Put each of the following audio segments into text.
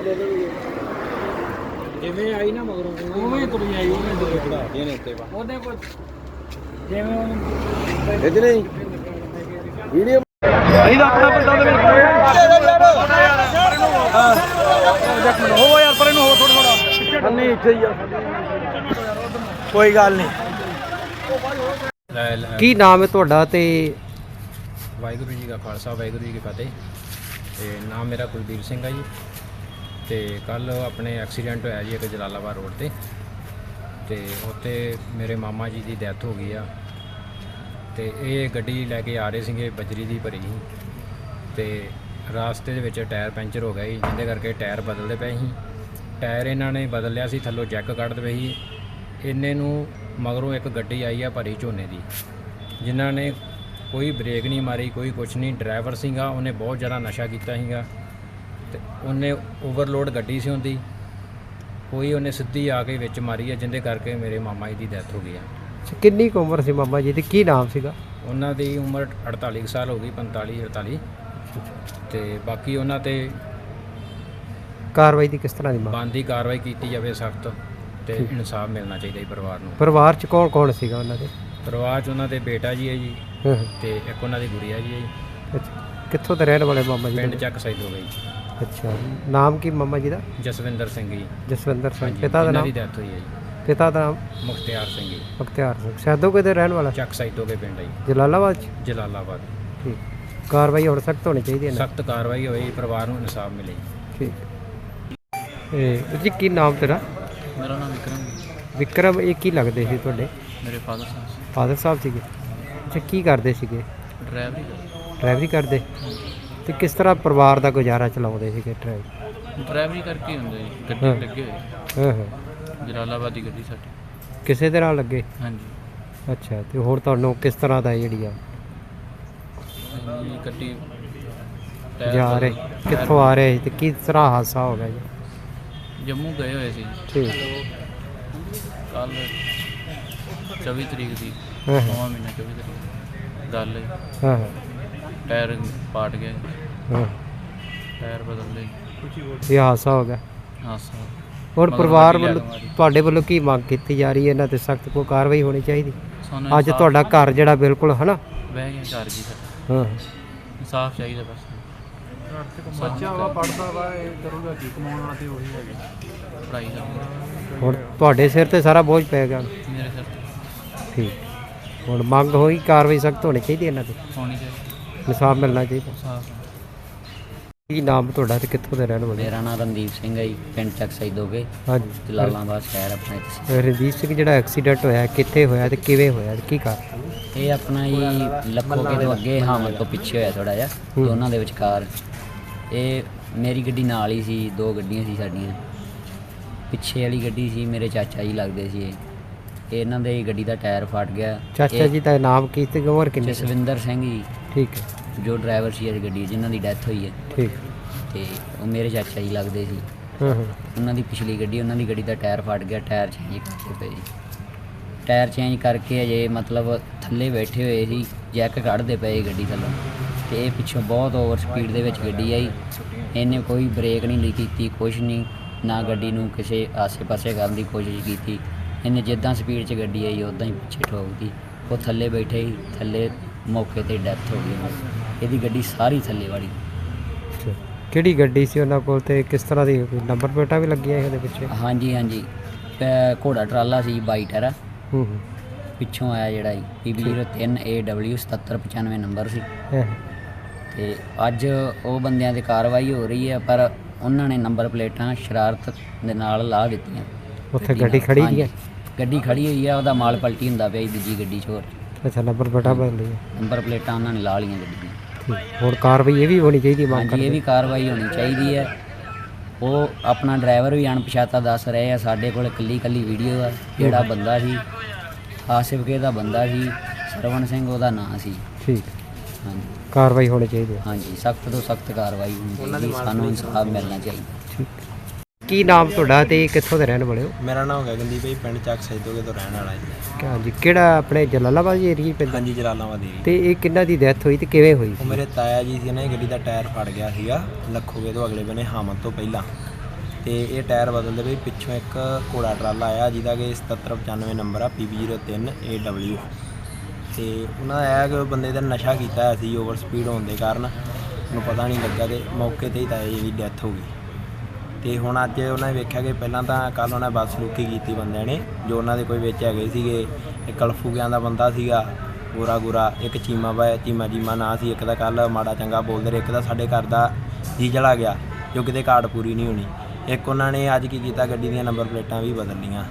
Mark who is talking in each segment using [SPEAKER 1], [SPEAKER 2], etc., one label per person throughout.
[SPEAKER 1] ਜਿਵੇਂ ਆਈ ਨਾ ਮਗਰੋਂ ਉਵੇਂ ਤੁਰੀ ਆਈ ਉਹਨੇ ਚੜਾਤੀਆਂ ਨੇ ਉੱਤੇ ਉਹਦੇ ਕੋਲ ਜਿਵੇਂ ਉਹਨੂੰ ਇਹ ਨਹੀਂ ਵੀਡੀਓ ਇਹਦਾ ਆਪਣਾ ਬੰਦਾ ਦੇ ਵਿੱਚ ਹੋ ਯਾਰ ਪਰੇ ਨੂੰ ਹੋ ਥੋੜਾ ਨਹੀਂ ਇੱਥੇ ਹੀ ਆ ਕੋਈ ਗੱਲ ਨਹੀਂ।
[SPEAKER 2] ਕੀ ਨਾਮ ਹੈ ਤੁਹਾਡਾ ਤੇ
[SPEAKER 3] ਵਾਹਿਗੁਰੂ ਜੀ ਕਾ ਖਾਲਸਾ ਵਾਹਿਗੁਰੂ ਜੀ ਕੀ ਫਤਿਹ। ਤੇ ਨਾਮ ਮੇਰਾ ਕੁਲਦੀਪ ਸਿੰਘ ਹੈ ਜੀ। ਤੇ ਕੱਲ ਆਪਣੇ ਐਕਸੀਡੈਂਟ ਹੋਇਆ ਜੀ ਇੱਕ ਜਲਾਲਾਬਾਦ ਰੋਡ ਤੇ ਉੱਥੇ ਮੇਰੇ ਮਾਮਾ ਜੀ ਦੀ ਡੈਥ ਹੋ ਗਈ ਆ। ਤੇ ਇਹ ਗੱਡੀ ਲੈ ਕੇ ਆ ਰਹੇ ਸੀਗੇ ਬਜਰੀ ਦੀ ਭਰੀ ਸੀ ਤੇ ਰਾਸਤੇ ਦੇ ਵਿੱਚ ਟਾਇਰ ਪੈਂਚਰ ਹੋ ਗਿਆ ਜੀ, ਜਿਹਦੇ ਕਰਕੇ ਟਾਇਰ ਬਦਲਦੇ ਪਏ ਸੀ। ਟਾਇਰ ਇਹਨਾਂ ਨੇ ਬਦਲ ਲਿਆ ਸੀ, ਥੱਲੋਂ ਜੈਕ ਕੱਢਦੇ ਪਏ ਸੀ। ਇੰਨੇ ਨੂੰ ਮਗਰੋਂ ਇੱਕ ਗੱਡੀ ਆਈ ਆ ਭਰੀ ਝੋਨੇ ਦੀ, ਜਿਨ੍ਹਾਂ ਨੇ ਕੋਈ ਬ੍ਰੇਕ ਨਹੀਂ ਮਾਰੀ, ਕੋਈ ਕੁਛ ਨਹੀਂ। ਡਰਾਈਵਰ ਸੀਗਾ ਉਹਨੇ ਬਹੁਤ ਜ਼ਿਆਦਾ ਨਸ਼ਾ ਕੀਤਾ ਸੀਗਾ ਤੇ ਉਹਨੇ ਓਵਰਲੋਡ ਗੱਡੀ ਸੀ ਹੁੰਦੀ, ਕੋਈ ਉਹਨੇ ਸਿੱਧੀ ਆ ਕੇ ਵਿੱਚ ਮਾਰੀ ਆ, ਜਿਹਦੇ ਕਰਕੇ ਮੇਰੇ ਮਾਮਾ ਜੀ ਦੀ ਡੈਥ ਹੋ ਗਈ ਆ।
[SPEAKER 2] ਕਿੰਨੀ ਕੁ ਉਮਰ ਸੀ ਮਾਮਾ ਜੀ ਦੀ, ਕੀ ਨਾਮ ਸੀਗਾ?
[SPEAKER 3] ਉਹਨਾਂ ਦੀ ਉਮਰ 48 ਸਾਲ ਹੋ ਗਈ, 45 48। ਤੇ ਬਾਕੀ ਉਹਨਾਂ ਤੇ
[SPEAKER 2] ਕਾਰਵਾਈ ਦੀ ਕਿਸ ਤਰ੍ਹਾਂ ਦੀ ਮੰਗ?
[SPEAKER 3] ਬਣਦੀ ਕਾਰਵਾਈ ਕੀਤੀ ਜਾਵੇ ਸਖਤ, ਤੇ ਇਨਸਾਫ ਮਿਲਣਾ ਚਾਹੀਦਾ ਜੀ ਪਰਿਵਾਰ ਨੂੰ।
[SPEAKER 2] ਪਰਿਵਾਰ 'ਚ ਕੌਣ ਕੌਣ ਸੀਗਾ ਉਹਨਾਂ ਦੇ?
[SPEAKER 3] ਪਰਿਵਾਰ 'ਚ ਉਹਨਾਂ ਦੇ ਬੇਟਾ ਜੀ ਹੈ ਜੀ, ਤੇ ਇੱਕ ਉਹਨਾਂ ਦੀ ਗੁੜੀਆ ਜੀ ਹੈ ਜੀ।
[SPEAKER 2] ਅੱਛਾ, ਕਿੱਥੋਂ ਦੇ ਰਹਿਣ ਵਾਲੇ ਮਾਮਾ ਜੀ?
[SPEAKER 3] ਪਿੰਡ ਚੱਕ ਸਾਈਦ ਹੋ ਗਈ।
[SPEAKER 2] ਅੱਛਾ, ਨਾਮ ਕੀ ਮਾਮਾ ਜੀ ਦਾ?
[SPEAKER 3] ਜਸਵਿੰਦਰ ਸਿੰਘ ਜੀ।
[SPEAKER 2] ਜਸਵਿੰਦਰ ਸਿੰਘ।
[SPEAKER 3] ਹਾਂਜੀ,
[SPEAKER 2] ਪਿਤਾ ਦਾ
[SPEAKER 3] ਇਹਨਾਂ
[SPEAKER 2] ਨਾਮ?
[SPEAKER 3] ਦੀ ਡੈਥ ਹੋਈ ਹੈ ਜੀ।
[SPEAKER 2] ਪਿਤਾ ਦਾ ਨਾਮ?
[SPEAKER 3] ਮੁਖਤਿਆਰ ਸਿੰਘ ਜੀ।
[SPEAKER 2] ਮੁਖਤਿਆਰ ਸਿੰਘ। ਸੈਦੋਕੇ ਦੇ ਰਹਿਣ ਵਾਲਾ?
[SPEAKER 3] ਚੱਕ ਸਾਈਦ ਹੋ ਗਏ ਪਿੰਡ ਹੈ ਜੀ,
[SPEAKER 2] ਜਲਾਲਾਬਾਦ 'ਚ?
[SPEAKER 3] ਜਲਾਲਾਬਾਦ।
[SPEAKER 2] ਠੀਕ, ਕਾਰਵਾਈ ਹੁਣ ਸਖਤ ਹੋਣੀ ਚਾਹੀਦੀ ਹੈ ਨਾ?
[SPEAKER 3] ਸਖਤ ਕਾਰਵਾਈ ਹੋਈ, ਪਰਿਵਾਰ ਨੂੰ ਇਨਸਾਫ ਮਿਲੇ।
[SPEAKER 2] ਠੀਕ। ਇਹ ਜੀ ਕੀ ਨਾਮ ਤੇਰਾ?
[SPEAKER 1] ਮੇਰਾ ਨਾਮ ਵਿਕਰਮ।
[SPEAKER 2] ਵਿਕਰਮ, ਇਹ ਕੀ ਲੱਗਦੇ ਸੀ ਤੁਹਾਡੇ?
[SPEAKER 1] ਮੇਰੇ ਫਾਦਰ ਸਾਹਿਬ
[SPEAKER 2] ਫਾਦਰ ਸਾਹਿਬ ਸੀਗੇ। ਅੱਛਾ, ਕੀ ਕਰਦੇ ਸੀਗੇ?
[SPEAKER 1] ਡਰਾਈਵਰੀ
[SPEAKER 2] ਡਰਾਈਵਰੀ ਕਰਦੇ? ਤੇ ਕਿਸ ਤਰ੍ਹਾਂ ਪਰਿਵਾਰ ਦਾ ਗੁਜ਼ਾਰਾ ਚਲਾਉਂਦੇ ਸੀਗੇ
[SPEAKER 1] ਡਰਾਈਵਰੀ ਕਰਕੇ ਹੁੰਦੇ ਜੀ, ਗੱਡੀ ਲੱਗੇ ਹੋਏ
[SPEAKER 2] ਹਾਂ ਹਾਂ।
[SPEAKER 1] ਜਲਾਲਾਬਾਦ ਦੀ ਗੱਡੀ ਸਾਡੀ।
[SPEAKER 2] ਕਿਸੇ ਦੇ ਨਾਲ ਲੱਗੇ?
[SPEAKER 1] ਹਾਂਜੀ।
[SPEAKER 2] ਅੱਛਾ, ਤੇ ਹੋਰ ਤੁਹਾਨੂੰ ਕਿਸ ਤਰ੍ਹਾਂ ਦਾ ਜਿਹੜੀ ਆ
[SPEAKER 1] ਹਾਂਜੀ, ਗੱਡੀ
[SPEAKER 2] ਜਾ ਰਹੇ, ਕਿੱਥੋਂ ਆ ਰਹੇ ਤੇ ਕਿਸ ਤਰ੍ਹਾਂ ਹਾਦਸਾ ਹੋ ਗਿਆ ਜੀ?
[SPEAKER 1] ਜੰਮੂ ਗਏ ਹੋਏ ਸੀ
[SPEAKER 2] ਠੀਕ।
[SPEAKER 1] ਕੱਲ 24 ਤਰੀਕ ਦੀ,
[SPEAKER 2] ਹਾਂ
[SPEAKER 1] 9ਵਾਂ ਮਹੀਨਾ 24 ਤਰੀਕ ਗੱਲ ਹੈ।
[SPEAKER 2] ਹਾਂ ਹਾਂ
[SPEAKER 1] ਟਾਇਰ ਪਾਟ ਗਿਆ,
[SPEAKER 2] ਹਾਂ,
[SPEAKER 1] ਟਾਇਰ ਬਦਲ ਲਏ।
[SPEAKER 2] ਇਹ ਹਾਦਸਾ ਹੋ ਗਿਆ।
[SPEAKER 1] ਹਾਸਾ
[SPEAKER 2] ਹੋਰ
[SPEAKER 1] ਮਗਰ
[SPEAKER 2] ਪਰਿਵਾਰ
[SPEAKER 1] ਗੱਡੀ ਲੈ
[SPEAKER 2] ਵੱਲੋਂ
[SPEAKER 1] ਕੇ ਮਾਰੀ।
[SPEAKER 2] ਤੁਹਾਡੇ ਵੱਲੋਂ ਕੀ ਮੰਗ ਕੀਤੀ ਜਾ ਰਹੀ ਹੈ? ਇਹਨਾਂ ਤੇ ਸਖਤ ਕੋਈ ਕਾਰਵਾਈ ਹੋਣੀ ਚਾਹੀਦੀ।
[SPEAKER 1] ਸਾਨੂੰ
[SPEAKER 2] ਅੱਜ ਤੁਹਾਡਾ ਘਰ ਜਿਹੜਾ ਬਿਲਕੁਲ ਹੈ ਨਾ?
[SPEAKER 1] ਬਹਿ ਗਿਆ ਘਰ ਜੀ ਸਾਡਾ।
[SPEAKER 2] ਹਾਂ,
[SPEAKER 1] ਇਨਸਾਫ ਚਾਹੀਦਾ ਬਸ।
[SPEAKER 4] ਬੱਚਾ ਵਾ ਪੜਦਾ ਵਾ, ਇਹ ਕਰੂਗਾ ਕੀ? ਕਮਾਉਣ ਵਾਲਾ ਤੇ ਉਹੀ ਹੈਗੇ।
[SPEAKER 1] ਪੜ੍ਹਾਈ ਦਾ
[SPEAKER 2] ਹੁਣ ਤੁਹਾਡੇ ਸਿਰ ਤੇ ਸਾਰਾ ਬੋਝ ਪੈ ਗਿਆ।
[SPEAKER 1] ਮੇਰੇ ਸਿਰ ਤੇ
[SPEAKER 2] ਠੀਕ, ਹੁਣ ਮੰਗ ਹੋਈ ਕਾਰਵਾਈ ਸਖਤ ਹੋਣੀ ਚਾਹੀਦੀ ਇਹਨਾਂ ਤੇ,
[SPEAKER 1] ਹੋਣੀ ਚਾਹੀਦੀ।
[SPEAKER 2] ਇਨਸਾਫ ਮਿਲਣਾ ਚਾਹੀਦਾ।
[SPEAKER 1] ਇਨਸਾਫ।
[SPEAKER 2] ਕੀ ਨਾਮ ਤੁਹਾਡਾ ਤੇ ਕਿੱਥੋਂ ਦੇ ਰਹਿਣ ਵਾਲੇ?
[SPEAKER 5] ਮੇਰਾ ਨਾਮ ਰਣਦੀਪ ਸਿੰਘ ਹੈ ਜੀ, ਪਿੰਡ ਚੱਕ ਸੈਦੋਗੇ,
[SPEAKER 2] ਹਾਂਜੀ।
[SPEAKER 5] ਜਲਾਲਾਬਾਦ ਸ਼ਹਿਰ ਆਪਣਾ ਇੱਥੇ।
[SPEAKER 2] ਰਣਜੀਤ ਸਿੰਘ, ਜਿਹੜਾ ਐਕਸੀਡੈਂਟ ਹੋਇਆ ਕਿੱਥੇ ਹੋਇਆ ਤੇ ਕਿਵੇਂ ਹੋਇਆ ਤੇ ਕੀ ਕਾਰਨ?
[SPEAKER 5] ਇਹ ਆਪਣਾ ਜੀ ਲੱਖੋਕੇ ਤੋਂ ਅੱਗੇ ਹਾਮਦ ਤੋਂ ਪਿੱਛੇ ਹੋਇਆ ਥੋੜਾ ਜਿਹਾ, ਦੋਨਾਂ ਦੇ ਵਿਚਕਾਰ। ਇਹ ਮੇਰੀ ਗੱਡੀ ਨਾਲ ਹੀ ਸੀ, ਦੋ ਗੱਡੀਆਂ ਸੀ ਸਾਡੀਆਂ। ਪਿੱਛੇ ਵਾਲੀ ਗੱਡੀ ਸੀ ਮੇਰੇ ਚਾਚਾ ਜੀ ਲੱਗਦੇ ਸੀ। ਇਹ ਇਹਨਾਂ ਦੇ ਗੱਡੀ ਦਾ ਟਾਇਰ ਫਟ ਗਿਆ।
[SPEAKER 2] ਚਾਚਾ ਜੀ ਦਾ ਨਾਮ ਕੀ ਤੇ ਉਮਰ ਕਿੰਨੀ?
[SPEAKER 5] ਜਸਵਿੰਦਰ ਸਿੰਘ ਜੀ,
[SPEAKER 2] ਠੀਕ ਹੈ।
[SPEAKER 5] ਜੋ ਡਰਾਈਵਰ ਸੀ ਇਸ ਗੱਡੀ, ਜਿਨ੍ਹਾਂ ਦੀ ਡੈਥ ਹੋਈ ਹੈ।
[SPEAKER 2] ਠੀਕ।
[SPEAKER 5] ਤੇ ਉਹ ਮੇਰੇ ਚਾਚਾ ਜੀ ਲੱਗਦੇ ਸੀ।
[SPEAKER 2] ਹਾਂ ਹਾਂ।
[SPEAKER 5] ਉਹਨਾਂ ਦੀ ਪਿਛਲੀ ਗੱਡੀ, ਉਹਨਾਂ ਦੀ ਗੱਡੀ ਦਾ ਟਾਇਰ ਫਟ ਗਿਆ। ਟਾਇਰ ਚੇਂਜ ਕਰਕੇ ਪਏ ਜੀ। ਟਾਇਰ ਚੇਂਜ ਕਰਕੇ ਅਜੇ ਮਤਲਬ ਥੱਲੇ ਬੈਠੇ ਹੋਏ ਸੀ, ਜੈਕ ਕੱਢਦੇ ਪਏ ਗੱਡੀ ਥੱਲੋਂ। ਤੇ ਇਹ ਪਿੱਛੋਂ ਬਹੁਤ ਓਵਰ ਸਪੀਡ ਦੇ ਵਿੱਚ ਗੱਡੀ ਆਈ। ਇਹਨੇ ਕੋਈ ਬ੍ਰੇਕ ਨਹੀਂ ਕੀਤੀ, ਕੁਛ ਨਹੀਂ, ਨਾ ਗੱਡੀ ਨੂੰ ਕਿਸੇ ਆਸੇ-ਪਾਸੇ ਕਰਨ ਦੀ ਕੋਸ਼ਿਸ਼ ਕੀਤੀ। ਇਹਨੇ ਜਿੱਦਾਂ ਸਪੀਡ 'ਚ ਗੱਡੀ ਆਈ ਉੱਦਾਂ ਹੀ ਪਿੱਛੇ ਠੋਕਦੀ। ਉਹ ਥੱਲੇ ਬੈਠੇ ਹੀ, ਥੱਲੇ ਮੌਕੇ ਤੇ ਡੈਥ ਹੋ ਗਈ। ਇਹਦੀ ਗੱਡੀ ਸਾਰੀ ਥੱਲੇ ਵਾਲੀ।
[SPEAKER 2] ਕਿਹੜੀ ਗੱਡੀ ਸੀ ਉਹਨਾਂ ਕੋਲ ਤੇ ਕਿਸ ਤਰ੍ਹਾਂ ਦੀ ਨੰਬਰ ਪਲੇਟਾਂ ਵੀ ਲੱਗੀਆਂ ਇਹਦੇ ਪਿੱਛੇ?
[SPEAKER 5] ਹਾਂਜੀ ਹਾਂਜੀ, ਘੋੜਾ ਟਰਾਲਾ ਸੀ 22 ਟਾਇਰਾ।
[SPEAKER 2] ਹੂੰ।
[SPEAKER 5] ਪਿੱਛੋਂ ਆਇਆ ਜਿਹੜਾ ਜੀ PB03 AW 7795 ਨੰਬਰ ਸੀ।
[SPEAKER 2] ਹਾਂ।
[SPEAKER 5] ਤੇ ਅੱਜ ਉਹ ਬੰਦਿਆਂ ਤੇ ਕਾਰਵਾਈ ਹੋ ਰਹੀ ਹੈ, ਪਰ ਉਹਨਾਂ ਨੇ ਨੰਬਰ ਪਲੇਟਾਂ ਸ਼ਰਾਰਤ ਦੇ ਨਾਲ ਲਾ ਦਿੱਤੀਆਂ।
[SPEAKER 2] ਉੱਥੇ ਗੱਡੀ ਖੜੀ ਦੀ ਹੈ?
[SPEAKER 5] ਗੱਡੀ ਖੜੀ ਹੋਈ ਆ, ਉਹਦਾ ਮਾਲ ਪਲਟੀ ਹੁੰਦਾ ਪਿਆ ਜੀ ਦੂਜੀ ਗੱਡੀ 'ਚ। ਹੋਰ
[SPEAKER 2] ਅੱਛਾ, ਨੰਬਰ ਪਲੇਟਾਂ ਬਦਲ ਲਈ?
[SPEAKER 5] ਨੰਬਰ ਪਲੇਟਾਂ ਉਹਨਾਂ ਨੇ ਲਾ ਲਈਆਂ ਗੱਡੀ ਦੀਆਂ।
[SPEAKER 2] ਠੀਕ। ਹੋਰ ਕਾਰਵਾਈ ਇਹ ਵੀ ਹੋਣੀ ਚਾਹੀਦੀ ਮੰਗ
[SPEAKER 5] ਹਾਂਜੀ, ਇਹ ਵੀ ਕਾਰਵਾਈ ਹੋਣੀ ਚਾਹੀਦੀ ਹੈ। ਉਹ ਆਪਣਾ ਡਰਾਈਵਰ ਵੀ ਅਣਪਛਾਤਾ ਦੱਸ ਰਹੇ ਆ। ਸਾਡੇ ਕੋਲ ਇਕੱਲੀ ਵੀਡੀਓ ਆ। ਜਿਹੜਾ ਬੰਦਾ ਸੀ ਆਸਿਫਕੇ ਦਾ ਬੰਦਾ ਸੀ, ਸਰਵਣ ਸਿੰਘ ਉਹਦਾ ਨਾਂ ਸੀ।
[SPEAKER 2] ਠੀਕ।
[SPEAKER 5] ਹਾਂਜੀ,
[SPEAKER 2] ਕਾਰਵਾਈ ਹੋਣੀ ਚਾਹੀਦੀ ਹੈ।
[SPEAKER 5] ਹਾਂਜੀ, ਸਖਤ ਤੋਂ ਸਖਤ ਕਾਰਵਾਈ ਹੋਣੀ ਚਾਹੀਦੀ। ਸਾਨੂੰ ਇਨਸਾਫ ਮਿਲਣਾ ਚਾਹੀਦਾ।
[SPEAKER 2] ਠੀਕ। ਕੀ ਨਾਮ ਤੁਹਾਡਾ ਤੇ ਕਿੱਥੋਂ ਦੇ ਰਹਿਣ ਵਾਲੇ ਹੋ?
[SPEAKER 4] ਮੇਰਾ ਨਾਮ ਗਗਨਦੀਪ ਭਾਈ, ਪਿੰਡ ਚੱਕ ਸੈਦੋਗੇ ਤੋਂ ਰਹਿਣ ਵਾਲਾ ਜੀ।
[SPEAKER 2] ਹਾਂਜੀ, ਕਿਹੜਾ ਆਪਣੇ ਜਲਾਲਾਬਾਦ ਏਰੀਆ ਪੈਂਦਾ?
[SPEAKER 4] ਹਾਂਜੀ, ਜਲਾਲਾਬਾਦ ਦੀ।
[SPEAKER 2] ਤੇ ਇਹ ਕਿੰਨਾ ਦੀ ਡੈਥ ਹੋਈ ਤੇ ਕਿਵੇਂ ਹੋਈ?
[SPEAKER 4] ਉਹ ਮੇਰੇ ਤਾਇਆ ਜੀ ਸੀ, ਇਹਨਾਂ ਦੀ ਗੱਡੀ ਦਾ ਟਾਇਰ ਫਟ ਗਿਆ ਸੀਗਾ ਲੱਖੋਗੇ ਤੋਂ ਅਗਲੇ ਬੰਨੇ, ਹਾਮਦ ਤੋਂ ਪਹਿਲਾਂ।
[SPEAKER 6] ਤੇ ਇਹ ਟਾਇਰ ਬਦਲਦੇ ਪਏ। ਪਿੱਛੋਂ ਇੱਕ ਘੋੜਾ ਟਰਾਲਾ ਆਇਆ ਜਿਹਦਾ ਕਿ 7795 ਨੰਬਰ ਆ PB03 AW, ਤੇ ਉਹਨਾਂ ਦਾ ਇਹ ਕਿ ਉਹ ਬੰਦੇ ਦਾ ਨਸ਼ਾ ਕੀਤਾ ਹੋਇਆ ਸੀ ਓਵਰ ਸਪੀਡ ਹੋਣ ਦੇ ਕਾਰਨ, ਉਹਨੂੰ ਪਤਾ ਨਹੀਂ ਲੱਗਾ ਤੇ ਮੌਕੇ 'ਤੇ ਹੀ ਤਾਂ ਇਹਦੀ ਡੈਥ ਹੋ ਗਈ। ਤੇ ਹੁਣ ਅੱਜ ਉਹਨਾਂ ਨੇ ਵੇਖਿਆ ਕਿ ਪਹਿਲਾਂ ਤਾਂ ਕੱਲ੍ਹ ਉਹਨਾਂ ਬਦਸਲੂਕੀ ਕੀਤੀ ਬੰਦਿਆਂ ਨੇ, ਜੋ ਉਹਨਾਂ ਦੇ ਕੋਈ ਵਿੱਚ ਹੈਗੇ ਸੀਗੇ। ਇੱਕ ਕਲਫੂਗਿਆਂ ਦਾ ਬੰਦਾ ਸੀਗਾ ਗੋਰਾ, ਇੱਕ ਚੀਮਾ ਨਾਂ ਸੀ ਇੱਕ ਦਾ। ਕੱਲ੍ਹ ਮਾੜਾ ਚੰਗਾ ਬੋਲਦੇ ਰਹੇ। ਇੱਕ ਦਾ ਸਾਡੇ ਘਰ ਦਾ ਜੀ ਚਲਾ ਗਿਆ ਜੋ ਕਿਤੇ ਕਾਰਡ ਪੂਰੀ ਨਹੀਂ ਹੋਣੀ। ਇੱਕ ਉਹਨਾਂ ਨੇ ਅੱਜ ਕੀ ਕੀਤਾ, ਗੱਡੀ ਦੀਆਂ ਨੰਬਰ ਪਲੇਟਾਂ ਵੀ ਬਦਲ ਲਈਆਂ।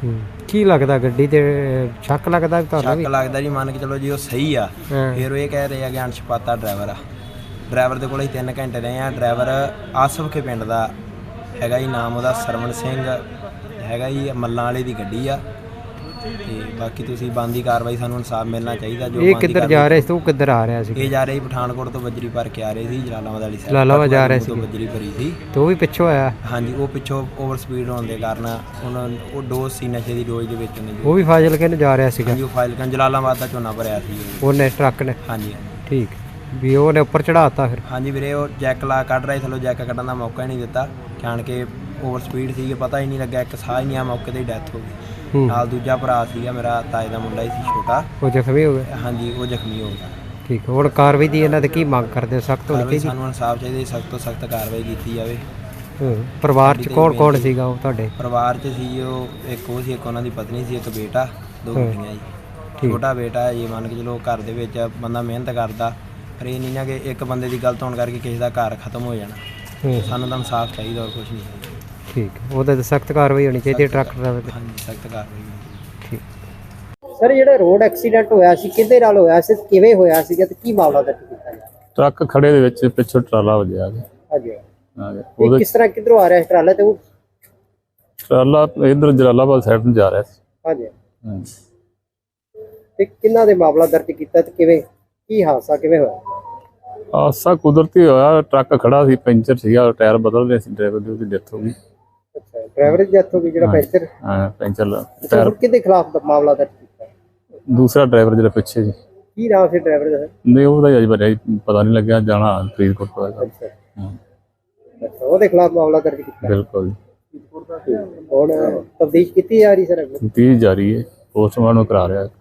[SPEAKER 2] ਕੀ ਲੱਗਦਾ ਗੱਡੀ ਤੇ ਸ਼ੱਕ ਲੱਗਦਾ ਤੁਹਾਨੂੰ?
[SPEAKER 6] ਸ਼ੱਕ ਲੱਗਦਾ ਜੀ, ਮੰਨ ਕੇ ਚਲੋ ਜੀ ਉਹ ਸਹੀ ਆ। ਫਿਰ ਉਹ ਇਹ ਕਹਿ ਰਹੇ ਆ ਕਿ ਅਣਛਪਾਤਾ ਡਰਾਈਵਰ ਆ। ਡਰਾਈਵਰ ਦੇ ਕੋਲ ਅਸੀਂ 3 ਘੰਟੇ ਰਹੇ ਆ। ਡਰਾਈਵਰ ਆਸਫਕੇ ਪਿੰਡ ਦਾ ਹੈਗਾ ਜੀ, ਨਾਮ ਉਹਦਾ ਸਰਵਣ ਸਿੰਘ ਹੈਗਾ ਜੀ, ਮੱਲਾਂ ਵਾਲੇ ਦੀ ਗੱਡੀ ਆ। ਤੇ ਬਾਕੀ ਤੁਸੀਂ ਬਣਦੀ ਕਾਰਵਾਈ, ਸਾਨੂੰ ਇਨਸਾਫ ਮਿਲਣਾ ਚਾਹੀਦਾ। ਜੋ
[SPEAKER 2] ਇਹ ਕਿੱਧਰ ਜਾ ਰਹੇ ਸੀ? ਤੂੰ ਕਿੱਧਰ ਆ ਰਿਹਾ ਸੀ?
[SPEAKER 6] ਇਹ ਜਾ ਰਹੇ ਸੀ ਪਠਾਨਕੋਟ ਤੋਂ ਬਜਰੀ ਭਰ ਕੇ ਆ ਰਹੇ ਸੀ ਜਲਾਲਾਬਾਦ ਵਾਲੀ ਸਾਈਡ।
[SPEAKER 2] ਜਲਾਲਾਬਾਦ ਜਾ ਰਹੇ ਸੀ,
[SPEAKER 6] ਬਜਰੀ ਭਰੀ ਸੀ।
[SPEAKER 2] ਤੇ ਉਹ ਵੀ ਪਿੱਛੋਂ ਆਇਆ?
[SPEAKER 6] ਹਾਂਜੀ, ਉਹ ਪਿੱਛੋਂ ਓਵਰ ਸਪੀਡ ਹੋਣ ਦੇ ਕਾਰਨ ਉਹਨਾਂ ਉਹ ਡੋਜ਼ ਸੀ ਨਸ਼ੇ ਦੀ ਡੋਜ਼ ਦੇ ਵਿੱਚ ਉਹਨੇ।
[SPEAKER 2] ਉਹ ਵੀ ਫਾਜ਼ਿਲਕੇ ਨੂੰ ਜਾ ਰਿਹਾ ਸੀਗਾ?
[SPEAKER 6] ਹਾਂਜੀ, ਉਹ ਫਾਜ਼ਿਲਕੇ ਜਲਾਲਾਬਾਦ ਦਾ ਝੋਨਾ ਭਰਿਆ ਸੀ
[SPEAKER 2] ਉਹਨੇ ਟਰੱਕ ਨੇ?
[SPEAKER 6] ਹਾਂਜੀ
[SPEAKER 2] ਠੀਕ, ਵੀ ਉਹਨੇ ਉੱਪਰ ਚੜਾਤਾ ਫਿਰ?
[SPEAKER 6] ਹਾਂਜੀ ਵੀਰੇ, ਉਹ ਜੈਕ ਲਾ ਕੱਢ ਰਹੇ ਥੱਲੋਂ, ਜੈਕ ਕੱਢਣ ਦਾ ਮੌਕਾ ਹੀ ਨਹੀਂ ਦਿੱਤਾ। ਜਾਣ ਕੇ ਓਵਰ ਸਪੀਡ ਸੀ, ਪਤਾ ਹੀ ਨਹੀਂ ਲੱਗਾ, ਇੱਕ ਸਾਹ ਹੀ ਨਹੀਂ ਆ, ਮੌਕੇ 'ਤੇ ਹੀ ਡੈਥ ਹੋ ਗਈ। ਨਾਲ ਦੂਜਾ ਭਰਾ ਸੀਗਾ ਮੇਰਾ, ਤਾਏ ਦਾ ਮੁੰਡਾ ਹੀ ਸੀ ਛੋਟਾ,
[SPEAKER 2] ਉਹ ਜ਼ਖਮੀ ਹੋ ਗਿਆ?
[SPEAKER 6] ਹਾਂਜੀ, ਉਹ ਜ਼ਖਮੀ ਹੋ ਗਿਆ।
[SPEAKER 2] ਠੀਕ, ਹੁਣ ਕਾਰਵਾਈ ਦੀ ਇਹਨਾਂ ਤੇ ਕੀ ਮੰਗ ਕਰਦੇ ਹੋ? ਸਖਤ ਹੋਣੀ ਚਾਹੀਦੀ?
[SPEAKER 6] ਸਾਨੂੰ ਇਨਸਾਫ ਚਾਹੀਦਾ, ਸਖਤ ਤੋਂ ਸਖਤ ਕਾਰਵਾਈ ਕੀਤੀ ਜਾਵੇ।
[SPEAKER 2] ਪਰਿਵਾਰ 'ਚ ਕੌਣ ਸੀਗਾ ਉਹ ਤੁਹਾਡੇ?
[SPEAKER 6] ਪਰਿਵਾਰ 'ਚ ਸੀ ਉਹ ਇੱਕ ਉਹ ਸੀ, ਇੱਕ ਉਹਨਾਂ ਦੀ ਪਤਨੀ ਸੀ, ਇੱਕ ਬੇਟਾ, 2 ਬੇਟੀਆਂ ਜੀ। ਛੋਟਾ ਬੇਟਾ ਜੀ, ਮੰਨ ਕੇ ਚਲੋ ਘਰ ਦੇ ਵਿੱਚ ਬੰਦਾ ਮਿਹਨਤ ਕਰਦਾ, ਪਰ ਇਹ ਨਹੀਂ ਨਾ ਕਿ ਇੱਕ ਬੰਦੇ ਦੀ ਗਲਤ ਹੋਣ ਕਰਕੇ ਕਿਸੇ ਦਾ ਘਰ ਖਤਮ ਹੋ ਜਾਣਾ। ਸਾਨੂੰ ਤਾਂ ਇਨਸਾਫ ਚਾਹੀਦਾ, ਹੋਰ ਕੁਝ ਨਹੀਂ।
[SPEAKER 2] ਠੀਕ, ਉਹਦੇ ਤੇ ਸਖਤ ਕਾਰਵਾਈ ਹੋਣੀ ਚਾਹੀਦੀ ਹੈ ਟਰੱਕ ਡਰਾਈਵਰ ਤੇ?
[SPEAKER 6] ਹਾਂਜੀ, ਸਖਤ ਕਾਰਵਾਈ ਹੋਣੀ।
[SPEAKER 2] ਠੀਕ
[SPEAKER 7] ਸਰ, ਜਿਹੜਾ ਰੋਡ ਐਕਸੀਡੈਂਟ ਹੋਇਆ ਸੀ ਕਿਹਦੇ ਨਾਲ ਹੋਇਆ ਸੀ, ਕਿਵੇਂ ਹੋਇਆ ਸੀਗਾ ਤੇ ਕੀ ਮਾਮਲਾ ਦਰਜ ਕੀਤਾ ਗਿਆ?
[SPEAKER 4] ਟਰੱਕ ਖੜੇ ਦੇ ਵਿੱਚ ਪਿੱਛੋਂ ਟਰਾਲਾ ਵੱਜਿਆ ਆ ਗਿਆ।
[SPEAKER 7] ਹਾਂਜੀ,
[SPEAKER 4] ਇਹ
[SPEAKER 7] ਇਹ ਕਿਸ ਤਰ੍ਹਾਂ ਕਿੱਧਰੋਂ ਆ ਰਿਹਾ ਸੀ ਟਰਾਲਾ? ਤੇ ਉਹ
[SPEAKER 4] ਟਰਾਲਾ ਇਧਰ ਜਲਾਲਾਬਾਦ ਸਾਈਡ ਨੂੰ ਜਾ ਰਿਹਾ ਸੀ।
[SPEAKER 7] ਹਾਂਜੀ, ਤੇ ਕਿੰਨਾ ਦੇ ਮਾਮਲਾ ਦਰਜ ਕੀਤਾ ਤੇ ਕਿਵੇਂ, ਕੀ ਹਾਦਸਾ ਕਿਵੇਂ ਹੋਇਆ?
[SPEAKER 4] ਹਾਦਸਾ ਕੁਦਰਤੀ ਹੋਇਆ, ਟਰੱਕ ਖੜਾ ਸੀ, ਪੈਂਚਰ ਸੀਗਾ, ਟਾਇਰ ਬਦਲ ਰਹੇ ਸੀ, ਡਰਾਈਵਰ ਦੀ ਉਹਦੀ ਡੈਥ ਹੋ ਗਈ।
[SPEAKER 7] ਅੱਛਾ, ਡਰਾਈਵਰ ਦੀ ਡੈਥ ਹੋ ਗਈ ਜਿਹੜਾ ਪੈਂਚਰ?
[SPEAKER 4] ਹਾਂ, ਪੈਂਚਰ
[SPEAKER 7] ਟਾਇਰ ਕਿਹਦੇ ਖਿਲਾਫ ਮਾਮਲਾ ਦਰਜ ਕੀਤਾ?
[SPEAKER 4] ਦੂਸਰਾ ਡਰਾਈਵਰ ਜਿਹੜਾ ਪਿੱਛੇ ਜੀ।
[SPEAKER 7] ਕੀ ਨਾਮ ਸੀ ਡਰਾਈਵਰ ਦਾ?
[SPEAKER 4] ਨਹੀਂ, ਉਹਦਾ ਅਜੇ ਬਾਰੇ ਪਤਾ ਨਹੀਂ ਲੱਗਿਆ, ਜਾਣਾ ਫਰੀਦਕੋਟ ਪਤਾ।
[SPEAKER 7] ਅੱਛਾ, ਉਹਦੇ ਖਿਲਾਫ ਮਾਮਲਾ ਦਰਜ ਕੀਤਾ?
[SPEAKER 4] ਬਿਲਕੁਲ।
[SPEAKER 7] ਹੁਣ ਤਫਤੀਸ਼ ਕੀਤੀ ਜਾ ਰਹੀ ਸਰ?
[SPEAKER 4] ਤਫਤੀਸ਼ ਜਾਰੀ ਹੈ, ਪੋਸਟਮਾਰਟਮ ਕਰਾ ਰਿਹਾ।